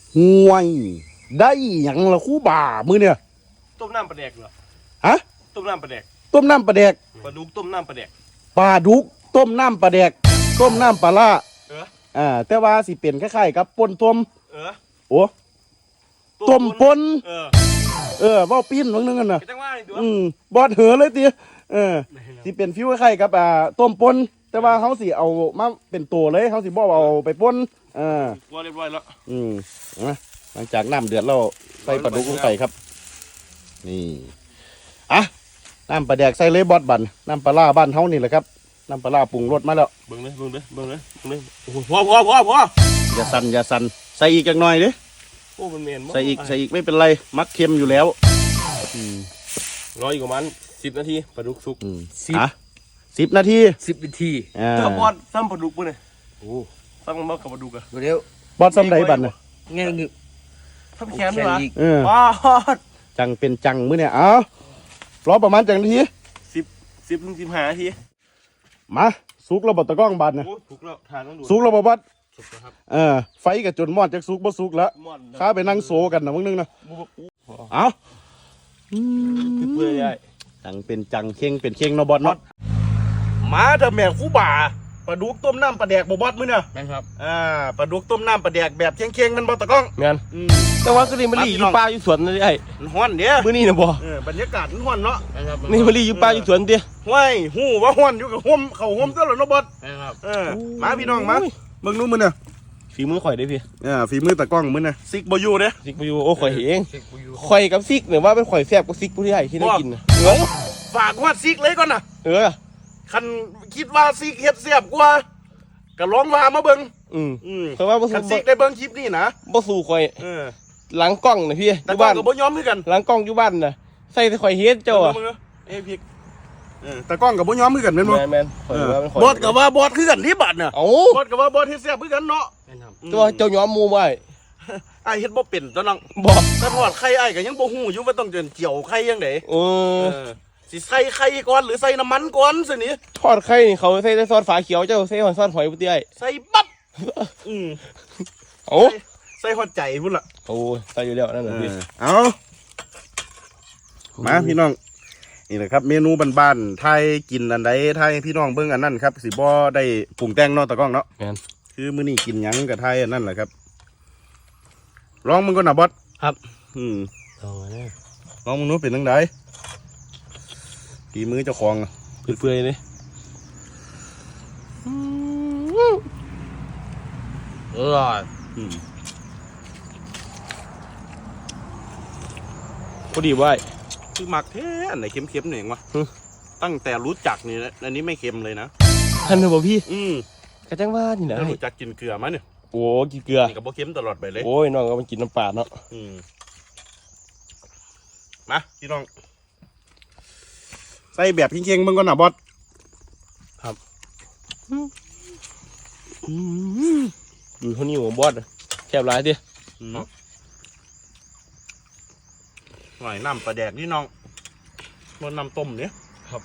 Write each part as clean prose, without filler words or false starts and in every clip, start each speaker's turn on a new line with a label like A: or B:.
A: ห่วยได้หยังละคู่บ่ามือเนี่ย
B: ต้มน้ำปลาแดกเหรอ
A: ฮะ
B: ต้มน้ำปลาแดก
A: ต้มน้ำปลาแดก
B: ปลาดุกต้มน้ำปลาแดก
A: ปลาดุกต้มน้ำปลาแดกต้มน้ำปลาล่าแต่ว่าสิเป็นคล้ายๆกับป่นต้มโอ้ต้มป่นว่าปิ้นบางนึงกันนะบอดเหอเลยตีสิเป็นฟิวคล้ายๆกับต้มป่นแต่ว่าเขาสิเอามาเป็นตัวเลยเขาสิบ่เอาไปป่น
B: ว่าเรียบร้อยแล้ว
A: หลังจากน้ำเดือดเราใส่ปลาดุกลงไปครับนี่น้ำปลาแดกใส่เลยบอดบันน้ำปลาล่าบ้านเฮานี่แหละครับน้ำปลาล่าปรุงรสมาแล้ว
B: เบิ่งเลยโอ้โหพอ
A: อย่าสั่นใส่อีกจักหน่อยดิ
B: โอ้มันเมน
A: ใส่อีกไม่เป็นไรมักเค็มอยู่แล้ว
B: รออีกประมาณ10 นาทีปลาดุกสุก
A: 10 นาที
B: ถ้าบอดซ้ำปลาดุกปุ่นเลยโอ้ซ้ำมากับปลาดุกอะ
C: เดี๋ยว
A: บอดซ้ำใดบันน่ะ
C: เงี้ยงึ
B: ซ้ำแขนด้วยวะ
A: บอดจังเป็นจังมื้อเนี่ยรอประมาณจังนาที
B: 10 ถึง 15 นาที
A: มาสุกแล้วบ่ตะก้องบันน่ะ
B: สุกแล้วทานต้องดู
A: สุกแล้วบ่บอด
B: สุกแล้วครับ
A: ไฟกับจนมอดจากสุกบ่สุกแล้วข้าไปนั่งโซกันนะมึงนึงนะเอา
B: เปื่อยใหญ่
A: จังเป็นจังเข่งเป็นเข่งเนาะบอดเนาะมาเถอะแม่คู่บ่าปลาดุกต้มน้ำปลาแดกบ่บอดมื้อเนี่ย
B: แม่นครับ
A: ปลาดุกต้มน้ำปลาแดกแบบเข่งๆมันบ่ตะก้อง
B: แม่นแต่ว่าก็นี่มะลิอยู่ป่าอยู่สวนนี่ไอ้
A: ฮ้อนเด้อ
B: มื้อนี้น่ะบ่
A: บรรยากาศมันฮ้อนเนาะ
B: นี่มะลิอยู่ป่าอยู่สวนติ
A: ห้วยฮู้ว่าฮ้อนอยู่กับห่มเข้าห่มซะแล้วเนาะบอดมาพี่น้องมาเบิ่งนู้นมื้อเนี่ย
B: ฝีมือข่อยได้พี่
A: ฝีมือตะก้องมื้อเนี่ยซิกบ่อยู่เด้
B: ซิกบ่อยู่โอ้ข่อยเองข่อยกับซิกเนี่ยว่าเป็นข่อยแซ่บกว่าซิกผู้ที่ใหญ่ที่ได้กินนะ
A: ฝากว่าซิกเลยก่อนนะคันคิดว่าซิกเฮ็ดแซ่บกว่าก็ลองว่ามาเบิ่ง
B: เพราะว่า
A: คันซิกได้เบิ่งคลิปนี้นะ
B: บ่สู้ข่อยหลังกล้องน่ะพี่
A: อยู่บ้านก็บ่ยอมคือกัน
B: หลังกล้องอยู่บ้านน่ะใส่แต่ข่อยเฮ็ดเจ้า
A: พี่ตะก้องกับบ่ยอมคือกันแม่นบ่
B: แม่นข่อยว่ามันข่อย
A: บอดกับว่าบอดคือกันที่บัดน่ะบอดกับว่าบอดเฮ็ดแซ่บคือกันเนาะ
B: ตัวเจ้ายอมหมู่ไว้
A: อ้ายเฮ็ดบ่เป็นตัวน้อง
B: บ่
A: แต่ทอดไข่อ้ายก็ยังบ่ฮู้อยู่ว่าต้องเจียวไข่จังได๋สิใส่ไข่ก่อนหรือใส่น้ำมันก่อนซินี่
B: ทอดไข่นี่เขาใส่ซอสฝาเขียวเจ้าใส่ซอสหอยบ่ติไอ้
A: ใส่ปั๊บใส่ฮอดใจพุ่นล่ะ
B: โอ้ใส่อยู่แล้วนั่นน่ะพี่
A: เอามาพี่น้องนี่แหละครับเมนูบ้านๆไทยกินอันใดไทยพี่น้องเบิ่งอันนั้นครับสิบ่ได้ปรุงแต่งเนาะตะก้องเนาะคือมื้อนี้กินหยังกับไทยอันนั้นแหละครับลองมึงก่อนนะบอส
B: ครับ
A: ลองมึงนู้นเป็นจังไดฝีมือเจ้าของ
B: เปื่อยๆเลยพอดีไว้
A: คือหมักแท้อันไหนเค็มๆหน่อยวะตั้งแต่รู้จักนี่อันนี้ไม่เค็มเลยนะ
B: ท่านเหรอพี่กระจังว่านี่นะ
A: รู้จักกินเกลือไหมเนี่ย
B: โอ้กินเกลือ
A: นี่กับโบเค็มตลอดไปเลย
B: โอ้ยน้องก็มันกินน้ำปลาเนาะ
A: มาพี่น้องใส่แบบเค็งๆมึงก่อนนะบอส
B: ครับดูเท่านี้หัวบอสแคบร้ายดิ
A: หน่อยน้ำปลาแดกนี่น้องมันน้ำต้มเนี่ย
B: ครับ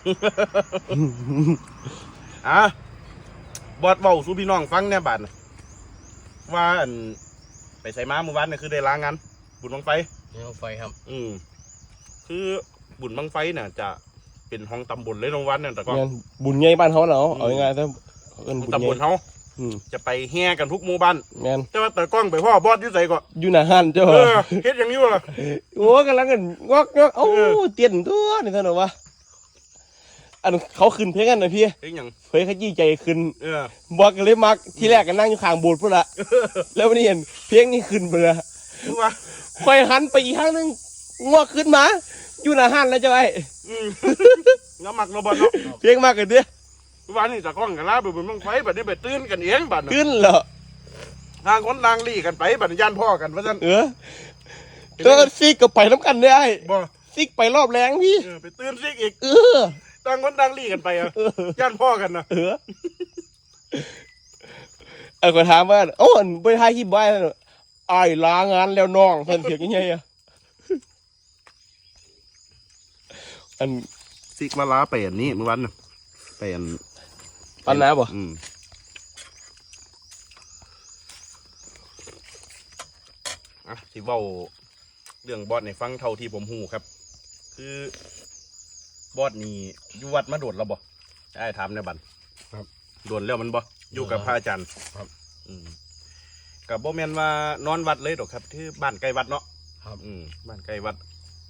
A: บอสเบาสู้พี่น้องฟังแน่บาดว่าไปใส่ม้าเมื่อวานเนี่ยคือได้ล้างงานบุญบังไฟ
B: ครับ
A: คือบุญบังไฟเนี่ยจะเป็นห้องตำบลเลยโรงวันเนี่ยแต่ก็
B: บุญใหญ่บ้านเขาเนาะเอาง่ายๆถ้า
A: ตำบลเขาจะไปแห่กันทุกหมู่บ้านแต่ว่าแต่กล้องไปพ่อบอสยุ่ใส่ก็
B: อยู่หน้าห้านเจ้า
A: เฮ็ดอย่างนี้วะ
B: โอ้กำลังกันงอกโอ้เตี้ยนตัวนี่เท่านั้นวะอันเขาขึ้นเพลงกันนะพี่
A: เพลงอย่าง
B: เพลงขยี้ใจขึ้นบอกกันเลยมักที่แรกกันนั่งอยู่ข้างโบสถ์พุ่นละแล้ววันนี้เห็นเพลงนี้ขึ้นไปเลยค่อยหันไปอีกครั้งนึงงอกขึ้นมาอยู่หน้าห้านแล้วเจ้าไอ้
A: น้ำหมักโนบอลเนาะ
B: เพลงมากกันเด้อ
A: วันนี้จะกล้องกันล่าบุญบังไฟบัดนี้ไปตื่นกันเองบัด
B: ตื่นเหรอ
A: ทางคนทางลี่กันไปบัดย่านพ่อกันว่าซั่น
B: เจอซิกก็ไปน้ำกันได้บ่ซิกไปรอบแรงพี่
A: ไปตื่นซิกอีกต่างคนต่างลี่กันไปย่านพ่อกันนะ
B: ก็ถามว่าโอ้ยไปถ่ายคลิปไว้ไอ้ลางานแล้วน้องเพิ่นเถียงยังไงอัน
A: ซิกมาลาไปอันนี้เมื่อวันไปอัน
B: ปันน้ำบ่
A: สิเว้าเรื่องบอสในฟังเท่าที่ผมหูครับ คือบอสนี่อยู่วัดมาโดดแล้วบ่ได้ถามในบัน
B: ครับ
A: โดดแล้วมันบ่อยู่กับพระอาจารย์
B: ครับ
A: กับบ่แม่นว่านอนวัดเลยดอกครับที่บ้านใกล้วัดเนาะ
B: ครับ
A: บ้านใกล้วัด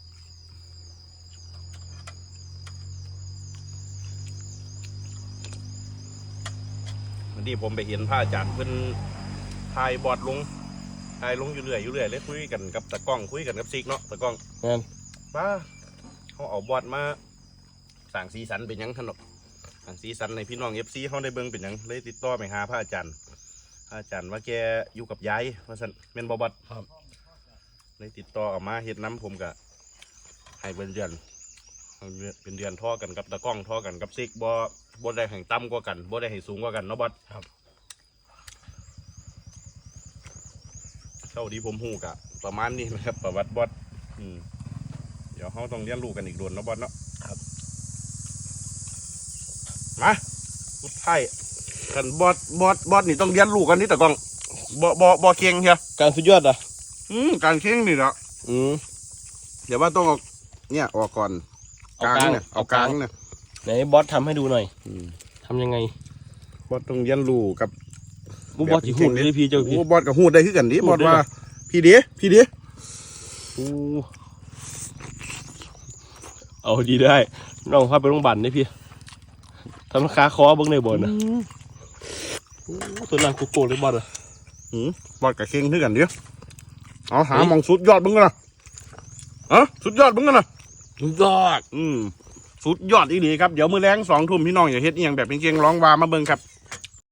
A: วันนี้ผมไปเห็นพระอาจารย์เพิ่นถ่ายบอดลงอยู่เรื่อยเลยคุยกันกับตะกล้องคุยกันกับซิกเนาะตะกล้อง
B: งั้น
A: ป้าเขาเอาบอดมาสั่งสีสันเป็นหยังขนมสั่งสีสันในพี่น้องFCเขาได้เบิ่งเป็นหยังเลยติดต่อไปหาพระอาจารย์ว่าแกอยู่กับยายว่าซั่นแม่นบ่บอด
B: ครับ
A: เลยติดต่อออกมาเฮ็ดน้ำผมก็ให้เป็นเดือนท่อกันกับตะกล้องท่อกันกับซิกบ่ได้ให้ต่ำกว่ากันบ่ได้ให้สูงกว่ากันเนาะบอส
B: ครับ
A: เท่าที่ผมฮู้กะประมาณนี้นะครับประวัติบอสเดี๋ยวเขาต้องเรียนรู้กันอีกโดนเนาะบอสเนาะ
B: ครับ
A: มาสุดท้ายกันบอสนี่ต้องเรียนรู้กันนี่ตะกล้องบ่เก่งเฮีย
B: การสุดยอดอ่ะ
A: การเก่งนี่แหละ เดี๋ยวว่าต้องเอาเนี่ยออกก่อน
B: เอากลาง
A: เนี่ยเอากลางเนี่ย
B: ไหนบอสทำให้ดูหน่อยทำยังไง
A: บอสต้องเรียนรู้กับ
B: บอสจีหุ่นเลยพี่เจ้าพี่
A: โอ้บอสกับหูดได้คือกันดิ
B: หู
A: บอ
B: ด
A: ส
B: ได้
A: ว่า
B: เหรอ
A: พี่เดี
B: เอาดีได้น้องพาไปโรงพยาบาลได้พี่ทำขาคอเบิ้งในบอลนะตัวนั้นโกเลยบอลอ่ะ
A: บอสกับเก่งคือกันดิเอาหามองสุดยอดบึ้งกันนะสุดยอดบึ้งกันนะ
B: สุดยอด
A: สุดยอดอีหลีครับเดี๋ยวมื้อแรง2 ทุ่มพี่น้องอย่าเฮ็ดอีหยังแบบเก่งๆร้องวามาเบิ่งครับ